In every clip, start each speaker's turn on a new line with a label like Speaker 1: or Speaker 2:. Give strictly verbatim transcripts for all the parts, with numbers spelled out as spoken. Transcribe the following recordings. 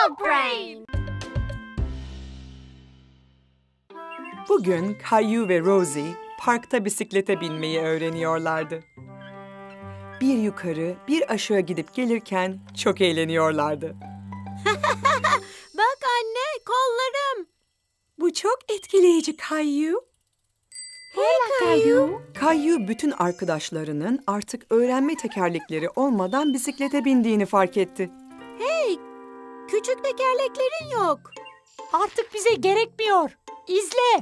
Speaker 1: Dog Brain.
Speaker 2: Bugün Caillou ve Rosie parkta bisiklete binmeyi öğreniyorlardı. Bir yukarı, bir aşağı gidip gelirken çok eğleniyorlardı.
Speaker 1: Bak anne, kollarım.
Speaker 2: Bu çok etkileyici Caillou.
Speaker 1: Hey Caillou.
Speaker 2: Caillou bütün arkadaşlarının artık öğrenme tekerlekleri olmadan bisiklete bindiğini fark etti.
Speaker 1: Hey, küçük tekerleklerin yok.
Speaker 3: Artık bize gerekmiyor. İzle.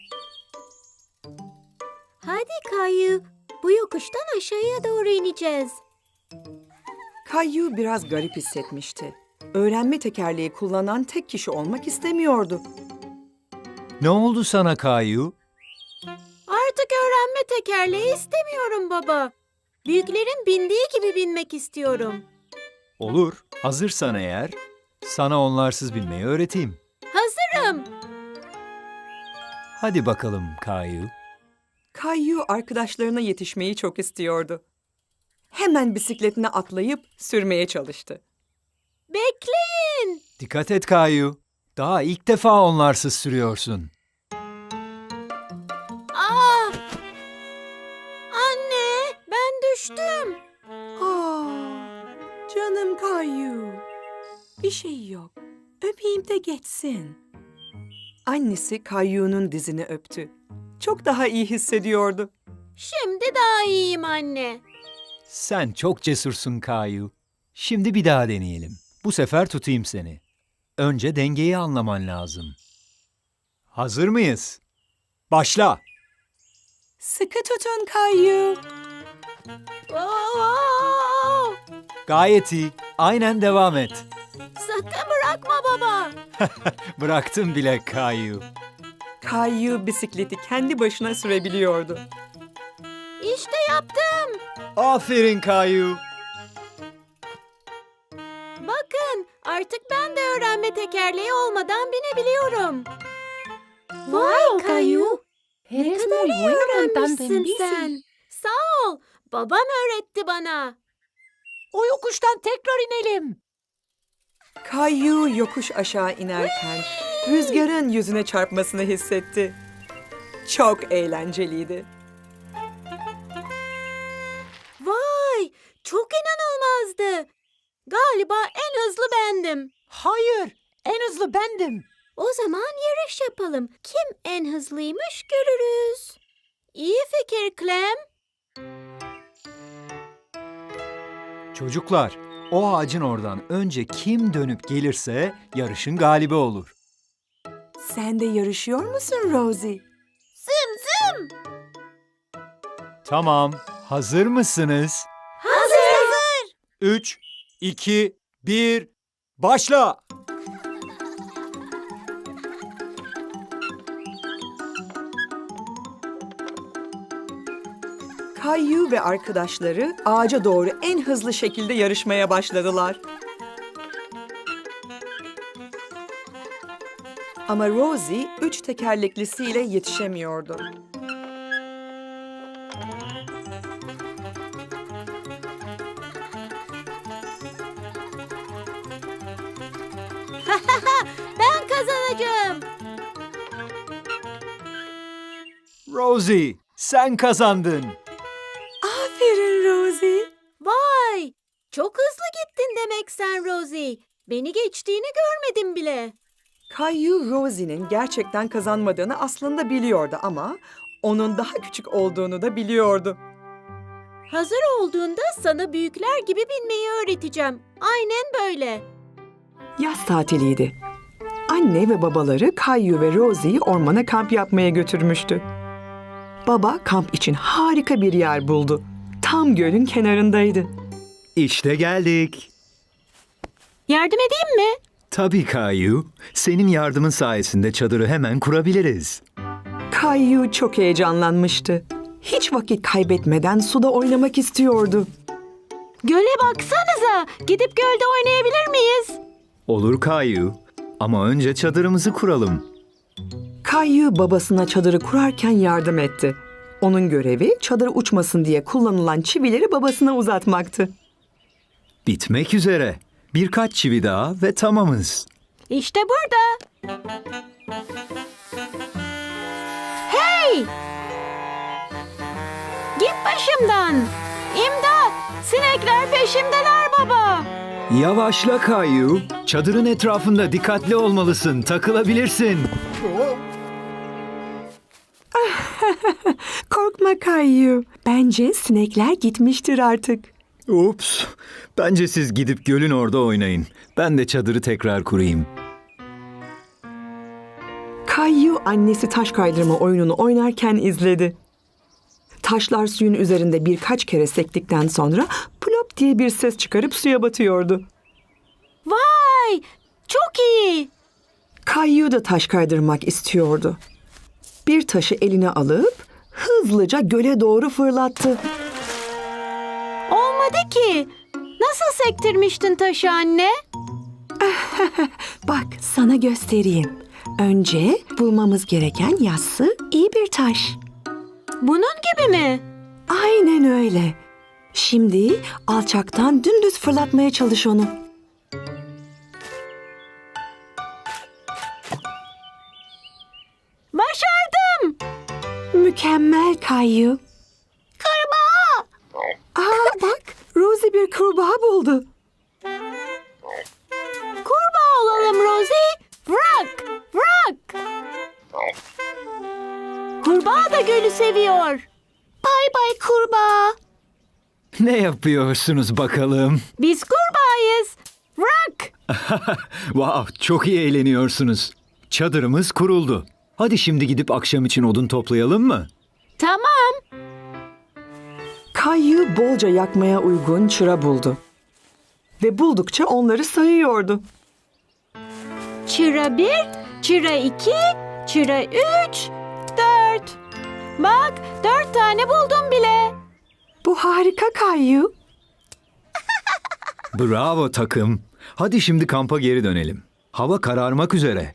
Speaker 1: Hadi Caillou, bu yokuştan aşağıya doğru ineceğiz.
Speaker 2: Caillou biraz garip hissetmişti. Öğrenme tekerleği kullanan tek kişi olmak istemiyordu.
Speaker 4: Ne oldu sana Caillou?
Speaker 1: Artık öğrenme tekerleği istemiyorum baba. Büyüklerin bindiği gibi binmek istiyorum.
Speaker 4: Olur, hazırsan eğer, sana onlarsız binmeyi öğreteyim.
Speaker 1: Hazırım.
Speaker 4: Hadi bakalım Caillou.
Speaker 2: Caillou arkadaşlarına yetişmeyi çok istiyordu. Hemen bisikletine atlayıp sürmeye çalıştı.
Speaker 1: Bekleyin.
Speaker 4: Dikkat et Caillou. Daha ilk defa onlarsız sürüyorsun.
Speaker 1: Ah! Anne, ben düştüm.
Speaker 2: Aa, canım Caillou. Bir şey yok. Öpeyim de geçsin. Annesi Caillou'nun dizini öptü. Çok daha iyi hissediyordu.
Speaker 1: Şimdi daha iyiyim anne.
Speaker 4: Sen çok cesursun Caillou. Şimdi bir daha deneyelim. Bu sefer tutayım seni. Önce dengeyi anlaman lazım. Hazır mıyız? Başla.
Speaker 2: Sıkı tutun Caillou.
Speaker 1: Oo!
Speaker 4: Gayet iyi. Aynen devam et.
Speaker 1: Sakın bırakma baba.
Speaker 4: Bıraktım bile Caillou.
Speaker 2: Caillou bisikleti kendi başına sürebiliyordu.
Speaker 1: İşte yaptım.
Speaker 4: Aferin Caillou.
Speaker 1: Bakın, artık ben de öğrenme tekerleği olmadan binebiliyorum. Vay Caillou, ne kadar iyi öğrenmişsin sen. Sağ ol, babam öğretti bana.
Speaker 3: O yokuştan tekrar inelim.
Speaker 2: Caillou yokuş aşağı inerken rüzgarın yüzüne çarpmasını hissetti. Çok eğlenceliydi.
Speaker 1: Vay, çok inanılmazdı. Galiba en hızlı bendim.
Speaker 3: Hayır, en hızlı bendim.
Speaker 1: O zaman yarış yapalım. Kim en hızlıymış görürüz. İyi fikir Clem.
Speaker 4: Çocuklar, o ağacın oradan önce kim dönüp gelirse yarışın galibi olur.
Speaker 2: Sen de yarışıyor musun Rosie?
Speaker 1: Zım zım.
Speaker 4: Tamam, hazır mısınız?
Speaker 1: Hazır. Hazır.
Speaker 4: Üç, iki, bir, başla!
Speaker 2: Caillou ve arkadaşları ağaca doğru en hızlı şekilde yarışmaya başladılar. Ama Rosie üç tekerleklisiyle yetişemiyordu.
Speaker 1: Ben kazanacağım.
Speaker 4: Rosie, sen kazandın.
Speaker 2: Aferin Rosie.
Speaker 1: Vay, çok hızlı gittin demek sen Rosie. Beni geçtiğini görmedim bile.
Speaker 2: Caillou Rosie'nin gerçekten kazanmadığını aslında biliyordu ama onun daha küçük olduğunu da biliyordu.
Speaker 1: Hazır olduğunda sana büyükler gibi binmeyi öğreteceğim. Aynen böyle.
Speaker 2: Yaz tatiliydi. Anne ve babaları Caillou ve Rosie'yi ormana kamp yapmaya götürmüştü. Baba kamp için harika bir yer buldu. Tam gölün kenarındaydı.
Speaker 4: İşte geldik.
Speaker 1: Yardım edeyim mi?
Speaker 4: Tabii Caillou, senin yardımın sayesinde çadırı hemen kurabiliriz.
Speaker 2: Caillou çok heyecanlanmıştı. Hiç vakit kaybetmeden suda oynamak istiyordu.
Speaker 1: Göle baksanıza. Gidip gölde oynayabilir miyiz?
Speaker 4: Olur Caillou, ama önce çadırımızı kuralım.
Speaker 2: Caillou babasına çadırı kurarken yardım etti. Onun görevi çadır uçmasın diye kullanılan çivileri babasına uzatmaktı.
Speaker 4: Bitmek üzere. Birkaç çivi daha ve tamamız.
Speaker 1: İşte burada. Hey! Git başımdan. İmdat! Sinekler peşimdeler baba.
Speaker 4: Yavaşla Kayu. Çadırın etrafında dikkatli olmalısın. Takılabilirsin.
Speaker 2: Korkma Kayyu. Bence sinekler gitmiştir artık.
Speaker 4: Ups. Bence siz gidip gölün orada oynayın. Ben de çadırı tekrar kurayım.
Speaker 2: Kayyu annesi taş kaydırma oyununu oynarken izledi. Taşlar suyun üzerinde birkaç kere sektikten sonra plop diye bir ses çıkarıp suya batıyordu.
Speaker 1: Vay! Çok iyi.
Speaker 2: Kayyu da taş kaydırmak istiyordu. Bir taşı eline alıp hızlıca göle doğru fırlattı.
Speaker 1: Olmadı ki. Nasıl sektirmiştin taşı anne?
Speaker 2: Bak sana göstereyim. Önce bulmamız gereken yassı iyi bir taş.
Speaker 1: Bunun gibi mi?
Speaker 2: Aynen öyle. Şimdi alçaktan dümdüz fırlatmaya çalış onu.
Speaker 1: Başardım.
Speaker 2: Mükemmel Kayyu.
Speaker 1: Kurbağa.
Speaker 2: Aa bak Rosie bir kurbağa buldu.
Speaker 1: Kurbağa olalım Rosie. Bırak. Bırak. Kurbağa da gölü seviyor. Bay bay kurbağa.
Speaker 4: Ne yapıyorsunuz bakalım?
Speaker 1: Biz kurbağayız. Bırak.
Speaker 4: Wow, çok iyi eğleniyorsunuz. Çadırımız kuruldu. Hadi şimdi gidip akşam için odun toplayalım mı?
Speaker 1: Tamam.
Speaker 2: Kayyu bolca yakmaya uygun çıra buldu. Ve buldukça onları sayıyordu.
Speaker 1: Çıra bir, çıra iki, çıra üç, dört. Bak dört tane buldum bile.
Speaker 2: Bu harika Kayyu.
Speaker 4: Bravo takım. Hadi şimdi kampa geri dönelim. Hava kararmak üzere.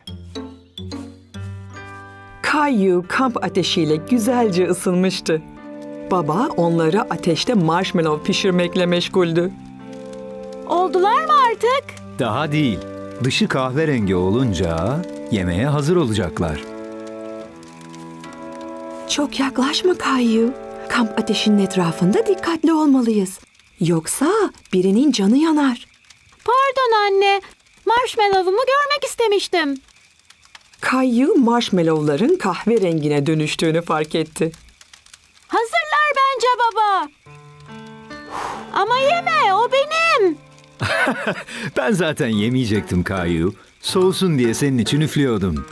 Speaker 2: Kayyu kamp ateşiyle güzelce ısınmıştı. Baba onları ateşte marshmallow pişirmekle meşguldü.
Speaker 1: Oldular mı artık?
Speaker 4: Daha değil. Dışı kahverengi olunca yemeğe hazır olacaklar.
Speaker 2: Çok yaklaşma Kayyu. Kamp ateşinin etrafında dikkatli olmalıyız. Yoksa birinin canı yanar.
Speaker 1: Pardon anne. Marshmallow'umu görmek istemiştim.
Speaker 2: Kayyu marshmallowların kahverengine dönüştüğünü fark etti.
Speaker 1: Hazırlar bence baba. Ama yeme, o benim.
Speaker 4: Ben zaten yemeyecektim Kayu. Soğusun diye senin için üflüyordum.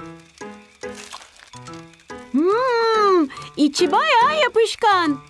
Speaker 1: Hmm, içi bayağı yapışkan.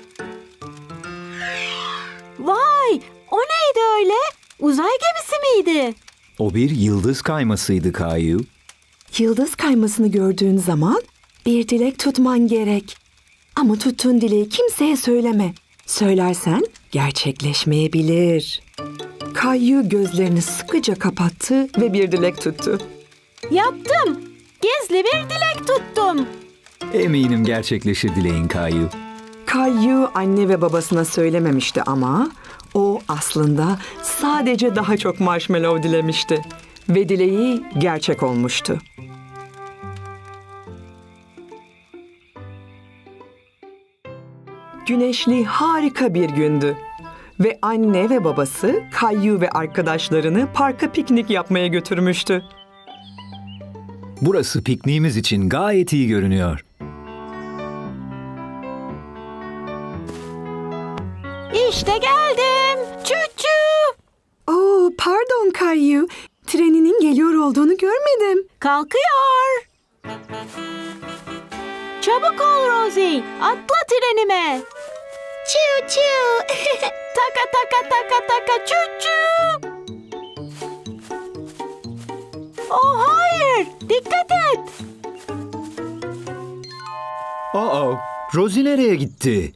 Speaker 1: Vay, o neydi öyle? Uzay gemisi miydi?
Speaker 4: O bir yıldız kaymasıydı Kayu.
Speaker 2: Yıldız kaymasını gördüğün zaman bir dilek tutman gerek. Ama tuttuğun dileği kimseye söyleme. Söylersen gerçekleşmeyebilir. Kayyu gözlerini sıkıca kapattı ve bir dilek tuttu.
Speaker 1: Yaptım. Gizli bir dilek tuttum.
Speaker 4: Eminim gerçekleşir dileğin Kayu.
Speaker 2: Kayyu anne ve babasına söylememişti ama o aslında sadece daha çok marshmallow dilemişti. Ve dileği gerçek olmuştu. Güneşli harika bir gündü. Ve anne ve babası Kayyu ve arkadaşlarını parka piknik yapmaya götürmüştü.
Speaker 4: Burası pikniğimiz için gayet iyi görünüyor.
Speaker 1: İşte geldim. Çüçü.
Speaker 2: Oo, pardon Kayyu. Treninin geliyor olduğunu görmedim.
Speaker 1: Kalkıyor. Çabuk ol Rosie. Atla trenime. Çiu çiu. Taka taka taka taka çu çu. Oh hayır. Dikkat et.
Speaker 4: Aa, Rosie nereye gitti?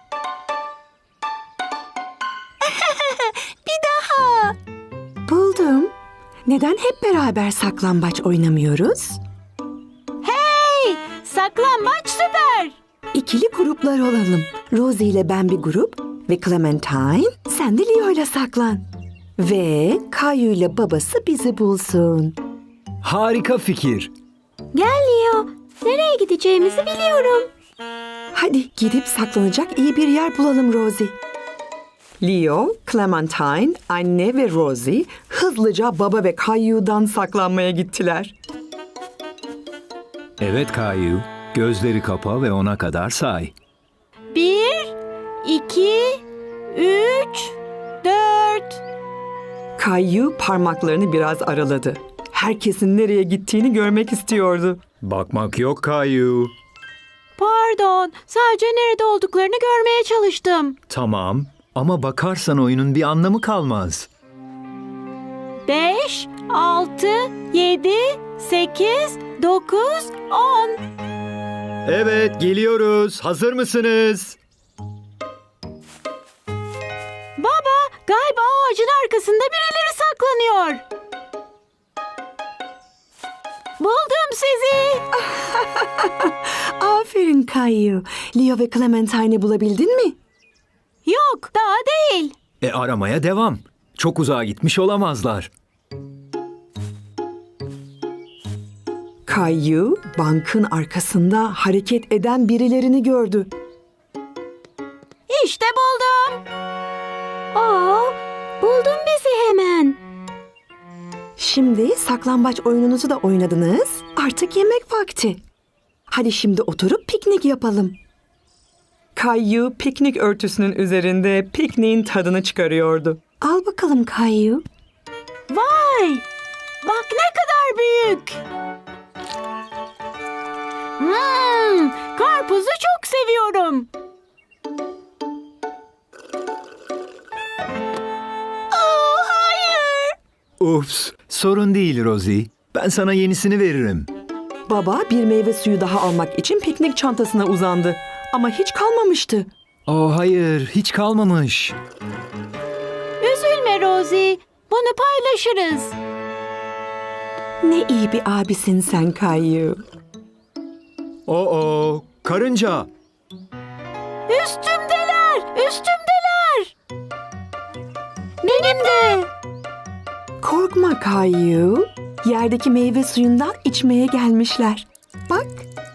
Speaker 2: Buldum. Neden hep beraber saklambaç oynamıyoruz?
Speaker 1: Hey, saklambaç süper.
Speaker 2: İkili gruplar olalım. Rosie ile ben bir grup ve Clementine sen de Leo ile saklan. Ve Kayu ile babası bizi bulsun.
Speaker 4: Harika fikir.
Speaker 1: Gel Leo. Nereye gideceğimizi biliyorum.
Speaker 2: Hadi gidip saklanacak iyi bir yer bulalım Rosie. Leo, Clementine, anne ve Rosie hızlıca baba ve Caillou'dan saklanmaya gittiler.
Speaker 4: Evet Kayu, gözleri kapa ve ona kadar say.
Speaker 1: Bir, iki, üç, dört.
Speaker 2: Caillou parmaklarını biraz araladı. Herkesin nereye gittiğini görmek istiyordu.
Speaker 4: Bakmak yok Kayu.
Speaker 1: Pardon, sadece nerede olduklarını görmeye çalıştım.
Speaker 4: Tamam ama bakarsan oyunun bir anlamı kalmaz.
Speaker 1: Beş, altı, yedi, sekiz, dokuz, on.
Speaker 4: Evet, geliyoruz. Hazır mısınız?
Speaker 1: Baba, galiba o ağacın arkasında birileri saklanıyor. Buldum sizi.
Speaker 2: Aferin Caillou. Leo ve Clementine'i bulabildin mi?
Speaker 1: Yok, daha değil.
Speaker 4: E aramaya devam. Çok uzağa gitmiş olamazlar.
Speaker 2: Caillou, bankın arkasında hareket eden birilerini gördü.
Speaker 1: İşte buldum. Aa, buldun bizi hemen.
Speaker 2: Şimdi saklambaç oyununuzu da oynadınız. Artık yemek vakti. Hadi şimdi oturup piknik yapalım. Caillou piknik örtüsünün üzerinde pikniğin tadını çıkarıyordu. Al bakalım Caillou.
Speaker 1: Vay! Bak ne kadar büyük. Hmm, karpuzu çok seviyorum. Oh, hayır.
Speaker 4: Ups, sorun değil Rosie. Ben sana yenisini veririm.
Speaker 2: Baba bir meyve suyu daha almak için piknik çantasına uzandı. Ama hiç kalmamıştı.
Speaker 4: Oh hayır, hiç kalmamış.
Speaker 1: Üzülme Rosie. Bunu paylaşırız.
Speaker 2: Ne iyi bir abisin sen Caillou.
Speaker 4: Oo, karınca.
Speaker 1: Üstümdeler, üstümdeler. Benim de.
Speaker 2: Korkma Caillou. Yerdeki meyve suyundan içmeye gelmişler. Bak.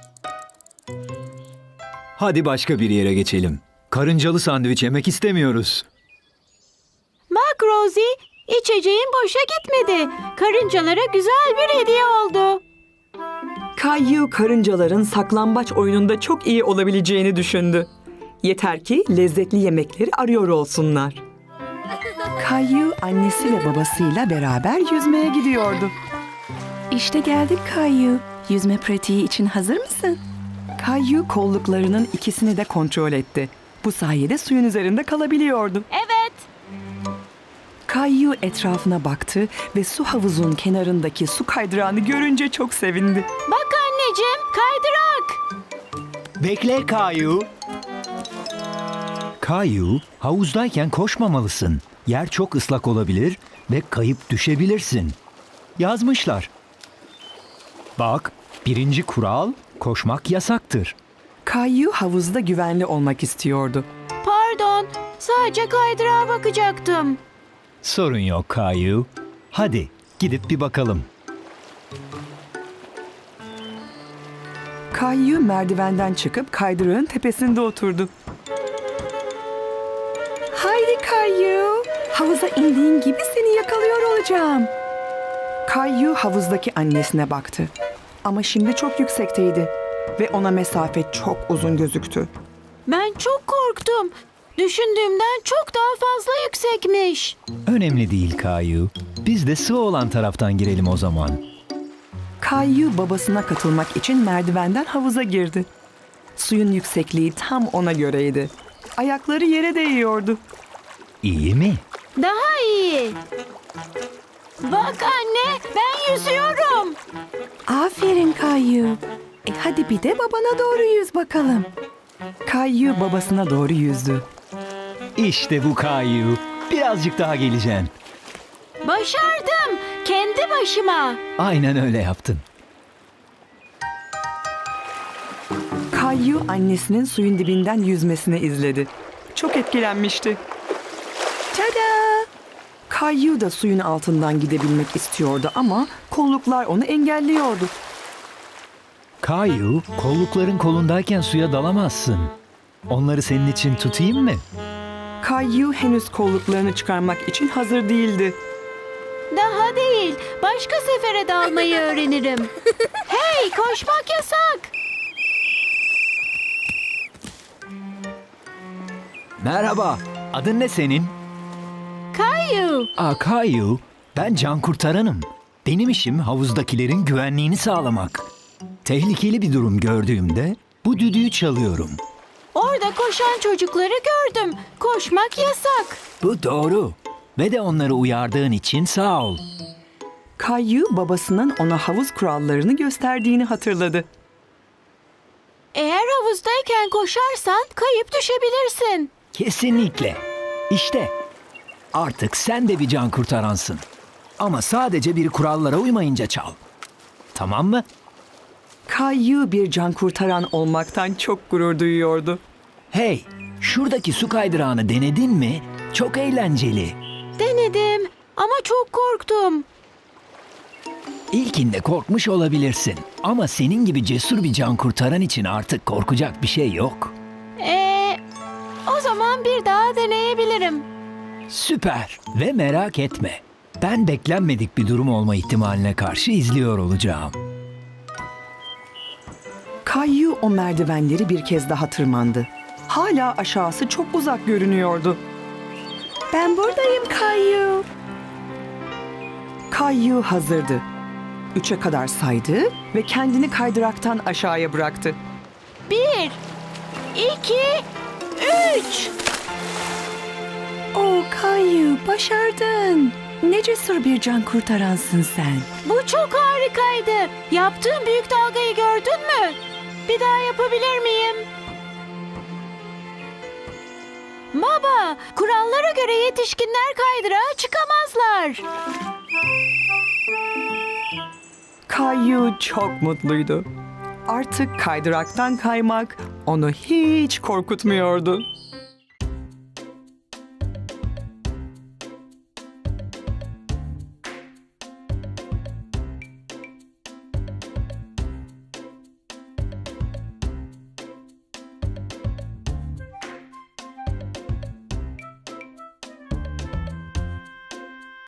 Speaker 4: Hadi başka bir yere geçelim. Karıncalı sandviç yemek istemiyoruz.
Speaker 1: Bak Rosie, içeceğin boşa gitmedi. Karıncalara güzel bir hediye oldu.
Speaker 2: Caillou karıncaların saklambaç oyununda çok iyi olabileceğini düşündü. Yeter ki lezzetli yemekleri arıyor olsunlar. Caillou annesi ve babasıyla beraber yüzmeye gidiyordu. İşte geldik Caillou. Yüzme pratiği için hazır mısın? Caillou kolluklarının ikisini de kontrol etti. Bu sayede suyun üzerinde kalabiliyordu.
Speaker 1: Evet.
Speaker 2: Caillou etrafına baktı ve su havuzun kenarındaki su kaydırağını görünce çok sevindi.
Speaker 1: Bak anneciğim, kaydırak.
Speaker 4: Bekle Kayu. Kayu, havuzdayken koşmamalısın. Yer çok ıslak olabilir ve kayıp düşebilirsin. Yazmışlar. Bak, birinci kural, koşmak yasaktır.
Speaker 2: Caillou havuzda güvenli olmak istiyordu.
Speaker 1: Pardon, sadece kaydırağa bakacaktım.
Speaker 4: Sorun yok Kayu. Hadi gidip bir bakalım.
Speaker 2: Caillou merdivenden çıkıp kaydırağın tepesinde oturdu. Haydi Caillou, havuza indiğin gibi seni yakalıyor olacağım. Caillou havuzdaki annesine baktı. Ama şimdi çok yüksekteydi ve ona mesafe çok uzun gözüktü.
Speaker 1: Ben çok korktum. Düşündüğümden çok daha fazla yüksekmiş.
Speaker 4: Önemli değil Kayu. Biz de sığ olan taraftan girelim o zaman.
Speaker 2: Caillou babasına katılmak için merdivenden havuza girdi. Suyun yüksekliği tam ona göreydi. Ayakları yere değiyordu.
Speaker 4: İyi mi?
Speaker 1: Daha iyi. Bak anne, ben yüzüyorum.
Speaker 2: Aferin Caillou. E hadi bir de babana doğru yüz bakalım. Caillou babasına doğru yüzdü.
Speaker 4: İşte bu Kayu. Birazcık daha geleceksin.
Speaker 1: Başardım. Kendi başıma.
Speaker 4: Aynen öyle yaptın.
Speaker 2: Caillou annesinin suyun dibinden yüzmesini izledi. Çok etkilenmişti. Tada! Kayu da suyun altından gidebilmek istiyordu ama kolluklar onu engelliyordu.
Speaker 4: Kayu, kollukların kolundayken suya dalamazsın. Onları senin için tutayım mı?
Speaker 2: Kayu henüz kolluklarını çıkarmak için hazır değildi.
Speaker 1: Daha değil. Başka sefere dalmayı öğrenirim. Hey, koşmak yasak.
Speaker 4: Merhaba, adın ne senin?
Speaker 1: Kayu.
Speaker 4: Aa, Kayu, ben can kurtaranım. Benim işim havuzdakilerin güvenliğini sağlamak. Tehlikeli bir durum gördüğümde bu düdüğü çalıyorum.
Speaker 1: Orada koşan çocukları gördüm. Koşmak yasak.
Speaker 4: Bu doğru. Ve de onları uyardığın için sağ ol.
Speaker 2: Kayu babasının ona havuz kurallarını gösterdiğini hatırladı.
Speaker 1: Eğer havuzdayken koşarsan kayıp düşebilirsin.
Speaker 4: Kesinlikle. İşte artık sen de bir can kurtaransın. Ama sadece bir kurallara uymayınca çal. Tamam mı?
Speaker 2: Kayu bir can kurtaran olmaktan çok gurur duyuyordu.
Speaker 4: Hey, şuradaki su kaydırağını denedin mi? Çok eğlenceli.
Speaker 1: Denedim ama çok korktum.
Speaker 4: İlkinde korkmuş olabilirsin. Ama senin gibi cesur bir can kurtaran için artık korkacak bir şey yok.
Speaker 1: Ee, o zaman bir daha deneyebilirim.
Speaker 4: Süper ve merak etme. Ben beklenmedik bir durum olma ihtimaline karşı izliyor olacağım.
Speaker 2: Kayu o merdivenleri bir kez daha tırmandı. Hala aşağısı çok uzak görünüyordu. Ben buradayım Kayu. Kayu hazırdı. Üçe kadar saydı ve kendini kaydıraktan aşağıya bıraktı.
Speaker 1: Bir, iki, üç.
Speaker 2: Oh Kayu, başardın. Ne cesur bir can kurtaransın sen.
Speaker 1: Bu çok harikaydı. Yaptığım büyük dalgayı gördün mü? Bir daha yapabilir miyim? Baba, kurallara göre yetişkinler kaydırağa çıkamazlar.
Speaker 2: Kayu çok mutluydu. Artık kaydıraktan kaymak onu hiç korkutmuyordu.